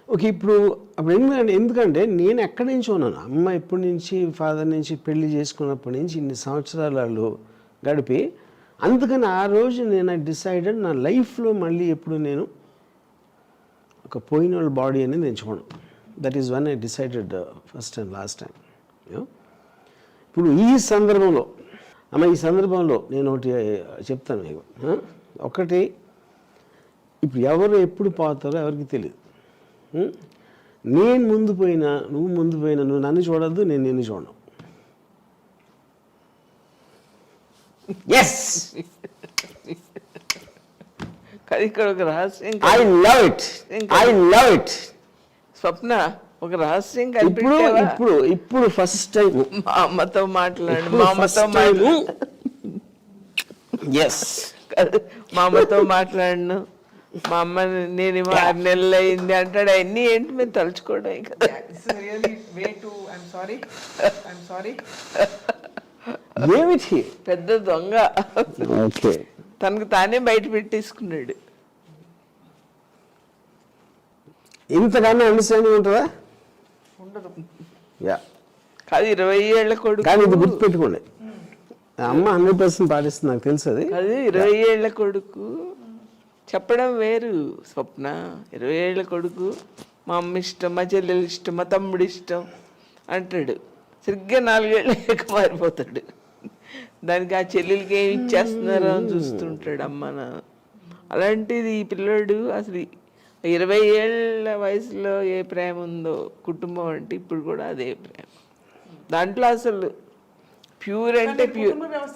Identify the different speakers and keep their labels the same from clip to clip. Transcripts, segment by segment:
Speaker 1: Okay. ఇప్పుడు అప్పుడు ఎందుకంటే నేను ఎక్కడి నుంచి ఉన్నాను, అమ్మ ఎప్పటి నుంచి ఫాదర్ నుంచి పెళ్లి చేసుకున్నప్పటి నుంచి ఇన్ని సంవత్సరాలు వాళ్ళు గడిపి, అందుకని ఆ రోజు నేను డిసైడెడ్ నా లైఫ్లో మళ్ళీ ఎప్పుడు నేను ఒక పోయిన వాళ్ళ బాడీ అనేది ఎంచుకోను. That is one I decided first and last time. ఇప్పుడు ఈ సందర్భంలో నేను ఒకటి చెప్తాను మీకు. ఒకటి, ఇప్పుడు ఎవరు ఎప్పుడు పోతారో ఎవరికి తెలియదు. నేను ముందు పోయినా నువ్వు నన్ను చూడద్దు, నేను నిన్ను చూడను. ఎస్,
Speaker 2: ఇక్కడ ఒక రహస్యం,
Speaker 1: ఐ లవ్ ఇట్.
Speaker 2: స్వప్న ఒక రహస్యం
Speaker 1: ఇప్పుడు ఫస్ట్ టైం
Speaker 2: మా అమ్మతో మాట్లాడు,
Speaker 1: ఎస్,
Speaker 2: మా అమ్మతో మాట్లాడను, మా అమ్మ నేను 6 నెలలు అయింది అంటాడు. అవన్నీ ఏంటి మేము తలుచుకోవడం కదా.
Speaker 1: ఏమిటి
Speaker 2: పెద్ద దొంగ,
Speaker 1: ఓకే,
Speaker 2: తనకు తానే బయట పెట్టేసుకున్నాడు.
Speaker 1: ఇంతకన్నా అండర్స్టాండింగ్ ఉంటుందా?
Speaker 2: ఉండదు.
Speaker 1: యా,
Speaker 2: కాదు 20 ఏళ్ల కొడుకు.
Speaker 1: కానీ ఇది గుర్తుపెట్టుకోండి, అమ్మ 100% పాటిస్తుంది, నాకు తెలుసు అది.
Speaker 2: అది 20 ఏళ్ల కొడుకు చెప్పడం వేరు స్వప్న. 20 ఏళ్ల కొడుకు మా అమ్మ ఇష్టం, మా చెల్లెలు ఇష్టం, మా తమ్ముడు ఇష్టం అంటాడు. సరిగ్గా 4 ఏళ్ళకి మారిపోతాడు. దానికి ఆ చెల్లెలకి ఏమి ఇచ్చేస్తున్నారో అని చూస్తుంటాడు అమ్మ నాన్న. అలాంటిది ఈ పిల్లోడు అసలు 20 ఏళ్ళ వయసులో ఏ ప్రేమ ఉందో కుటుంబం అంటే ఇప్పుడు కూడా అదే ప్రేమ. దాంట్లో అసలు ప్యూర్ అంటే ప్యూర్.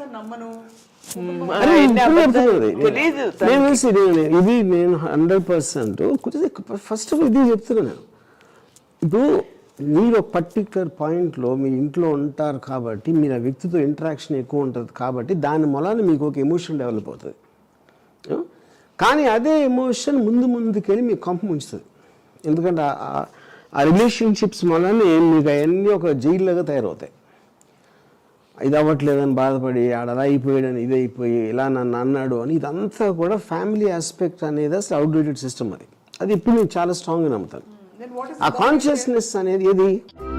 Speaker 2: తెలీదు
Speaker 1: ఇది నేను 100% ఫస్ట్ ఆఫ్ ఆల్ ఇది చెప్తున్నాను నేను. ఇప్పుడు మీరు ఒక పర్టికులర్ పాయింట్లో మీ ఇంట్లో ఉంటారు కాబట్టి, మీరు ఆ వ్యక్తితో ఇంటరాక్షన్ ఎక్కువ ఉంటుంది కాబట్టి దాని మూలాన మీకు ఒక ఎమోషన్ డెవలప్ అవుతుంది. కానీ అదే ఎమోషన్ ముందుకెళ్ళి మీకు కొంప ముంచుతుంది. ఎందుకంటే ఆ రిలేషన్షిప్స్ మూలానే మీకు అవన్నీ ఒక జైల్లాగా తయారవుతాయి. ఇది అవ్వట్లేదని బాధపడి అలా అయిపోయాడని ఇది అయిపోయి ఇలా నన్ను అన్నాడు అని, ఇదంతా కూడా ఫ్యామిలీ ఆస్పెక్ట్ అనేది అసలు అవుట్డేటెడ్ సిస్టమ్. అది ఇప్పుడు నేను చాలా స్ట్రాంగ్గా నమ్ముతాను. ఆ కాన్షియస్నెస్ అనేది ఏది